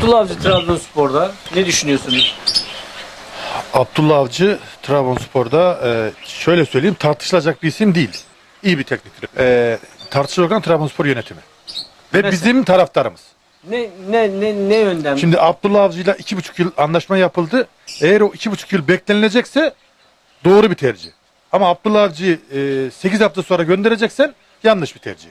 Abdullah Avcı Trabzonspor'da ne düşünüyorsunuz? Abdullah Avcı Trabzonspor'da şöyle söyleyeyim, tartışılacak bir isim değil. İyi bir teknik direktör. Tartışılacak olan Trabzonspor yönetimi. Ve Mesela? bizim taraftarımız. Ne yönden? Şimdi Abdullah Avcı'yla 2,5 yıl anlaşma yapıldı. Eğer o 2,5 yıl beklenilecekse doğru bir tercih. Ama Abdullah Avcı'yı 8 hafta sonra göndereceksen yanlış bir tercih.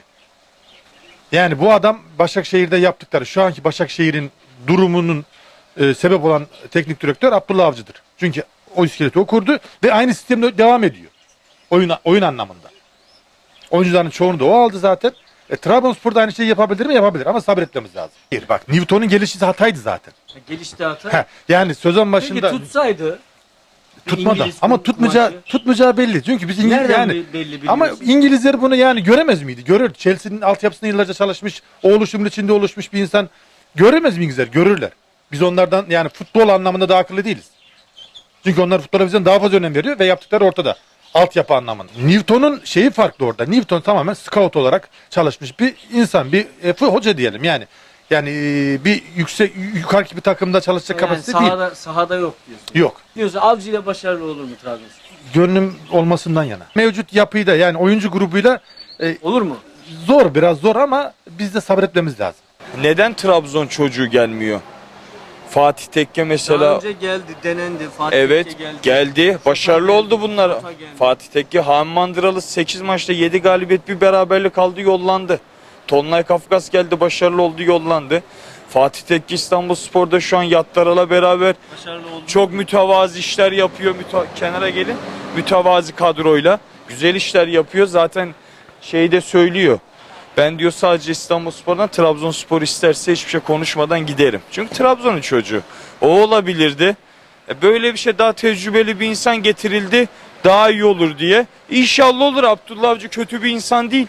Yani bu adam Başakşehir'de yaptıkları, şu anki Başakşehir'in durumunun sebep olan teknik direktör Abdullah Avcı'dır. Çünkü o iskeleti o kurdu ve aynı sistemde devam ediyor. Oyun anlamında. Oyuncuların çoğunu da o aldı zaten. Trabzonspor'da aynı şeyi yapabilir mi? Yapabilir ama sabretmemiz lazım. Bak, Newton'un gelişi hataydı zaten. Gelişte hata. Yani sezon başında Peki tutsaydı? tutmadı İngiliz ama maçı. tutmayacağı belli. Çünkü biz İngiliz Nereden yani belli biliyorsun? ama İngilizler bunu yani göremez miydi? Görür. Chelsea'nin altyapısında yıllarca çalışmış, o oluşumun içinde oluşmuş bir insan göremez mi İngilizler? Görürler. Biz onlardan yani futbol anlamında daha akıllı değiliz. Çünkü onlar futbola bizden daha fazla önem veriyor ve yaptıkları ortada. Altyapı anlamında. Newton'un şeyi farklı orada. Newton tamamen scout olarak çalışmış bir insan, bir hoca diyelim yani. Yani bir yukarıki bir takımda çalışacak Yani kapasite değil. sahada yok diyorsun. Yok. Diyorsun Avcı ile başarılı olur mu Trabzonspor? Gönlüm olmasından yana. Mevcut yapıyı da yani oyuncu grubuyla Olur mu? biraz zor ama biz de sabretmemiz lazım. Neden Trabzon çocuğu gelmiyor? Fatih Tekke Daha mesela önce geldi, denendi. Fatih evet Tekke geldi. Başarılı oldu bunlar. Sefa geldi. Fatih Tekke Han Mandıralı 8 maçta 7 galibiyet bir beraberlik aldı, yollandı. Tonlay Kafkas geldi, başarılı oldu, yollandı. Fatih Tekke İstanbulspor'da şu an Yattaral'la beraber Başarılı oldu. çok mütevazi işler yapıyor. Kenara gelin. Mütevazi kadroyla güzel işler yapıyor. Zaten şeyi de söylüyor. Ben diyor sadece İstanbulspor'dan Trabzonspor isterse hiçbir şey konuşmadan giderim. Çünkü Trabzon'un çocuğu. O olabilirdi. Böyle bir şey, daha tecrübeli bir insan getirildi. Daha iyi olur diye. İnşallah olur. Abdullah Avcı kötü bir insan değil.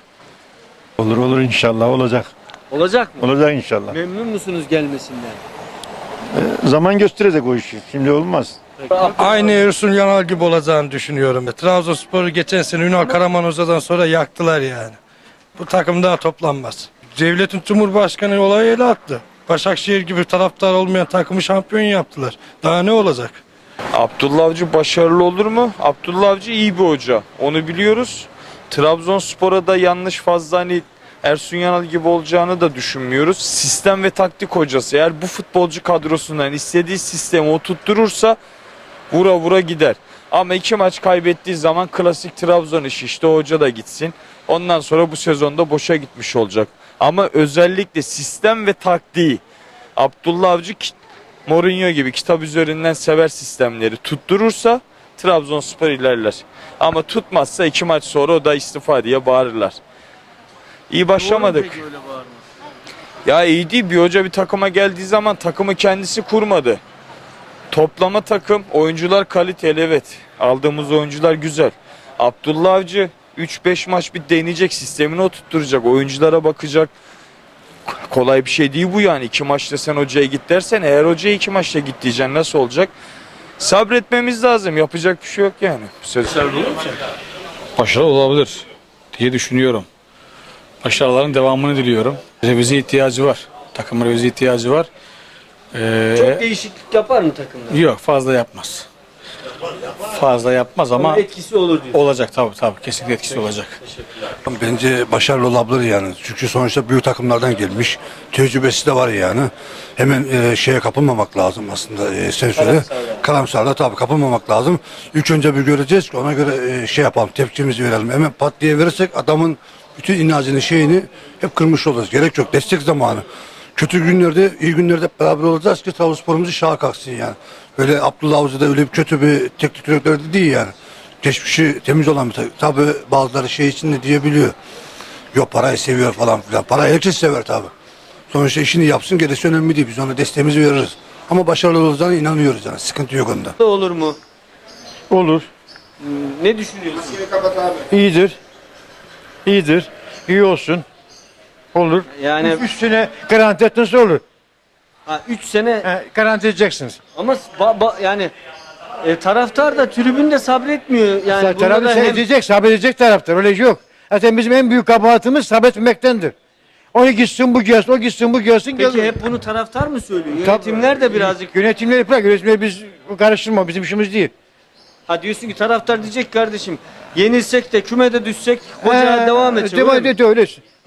Olur inşallah olacak. Olacak mı? Olacak inşallah. Memnun musunuz gelmesinden? Zaman gösterecek o işi. Şimdi olmaz. Aynı Ersun Yanal gibi olacağını düşünüyorum. Trabzonspor'u geçen sene Ünal Karamanoza'dan sonra yaktılar yani. Bu takım daha toplanmaz. Devletin Cumhurbaşkanı olayı ele attı. Başakşehir gibi taraftar olmayan takımı şampiyon yaptılar. Daha ne olacak? Abdullah Avcı başarılı olur mu? Abdullah Avcı iyi bir hoca. Onu biliyoruz. Trabzonspor'a da yanlış fazla hani Ersun Yanal gibi olacağını da düşünmüyoruz. Sistem ve taktik hocası. Eğer bu futbolcu kadrosundan istediği sistemi oturtturursa vura vura gider. Ama 2 maç kaybettiği zaman klasik Trabzon işi, işte o hoca da gitsin. Ondan sonra bu sezonda boşa gitmiş olacak. Ama özellikle sistem ve taktiği Abdullah Avcı Mourinho gibi kitap üzerinden sever sistemleri, tutturursa Trabzonspor ilerler. Ama tutmazsa 2 maç sonra o da istifa diye bağırırlar. İyi başlamadık. Doğru mu peki öyle bağırması? Ya iyi değil, bir hoca bir takıma geldiği zaman takımı kendisi kurmadı. Toplama takım, oyuncular kaliteli, evet. Aldığımız oyuncular güzel. Abdullah Avcı 3-5 maç bir deneyecek, sistemini oturtturacak, oyunculara bakacak. Kolay bir şey değil bu yani. 2 maçta sen hocaya git dersen, eğer hocaya 2 maçta git diyeceksin, nasıl olacak? Sabretmemiz lazım. Yapacak bir şey yok yani. Başarılı olur mu? Başarılı olabilir diye düşünüyorum. Başarıların devamını diliyorum. Revize ihtiyacı var. Takımın revize ihtiyacı var. Çok değişiklik yapar mı takımda? Yok, fazla yapmaz. Fazla yapmaz ama Ama etkisi olur diyorsun. olacak tabii kesinlikle etkisi olacak. Bence başarılı olabilir yani. Çünkü sonuçta büyük takımlardan gelmiş. Tecrübesi de var yani. Hemen şeye kapılmamak lazım aslında. Sen söyle. Karamsarda tabii kapılmamak lazım. İlk önce bir göreceğiz ki ona göre şey yapalım. Tepkimizi verelim. Hemen pat diye verirsek adamın bütün inancını şeyini hep kırmış oluruz. Gerek yok. Destek zamanı. Kötü günlerde, iyi günlerde hep beraber olacağız ki Trabzonspor'umuzu şaha kalksın yani. Böyle Abdullah Avcı da öyle bir kötü bir teknik direktör de değil yani. Geçmişi temiz olan bir tabii bazıları şey için de diyebiliyor. Yok parayı seviyor falan filan. Parayı herkes sever tabii. Sonuçta işini yapsın, gerisi önemli değil. Biz ona desteğimizi veririz. Ama başarılı olacağına inanıyoruz yani. Sıkıntı yok onda. Olur mu? Olur. Ne düşünüyorsun? İyidir. İyidir. İyi olsun. Olur. Yani 3 sene garanti etmesi olur. 3 sene Garanti edeceksiniz. ama yani taraftar da tribünde sabretmiyor. Yani bunda Taraftar da hem seyredecek, sabredecek taraftar. Öyle şey yok. Zaten bizim en büyük kabahatimiz sabretmemektendir. Onu gitsin bu gelsin, o gitsin bu gelsin. Peki hep bunu taraftar mı söylüyor? Yönetimler de birazcık... Yönetimleri bırak, yönetimleri biz karıştırma, bizim işimiz değil. Ha diyorsun ki taraftar diyecek kardeşim yenilsek de kümede düşsek hoca devam edecek. Devam öyle mi? ediyor öyle.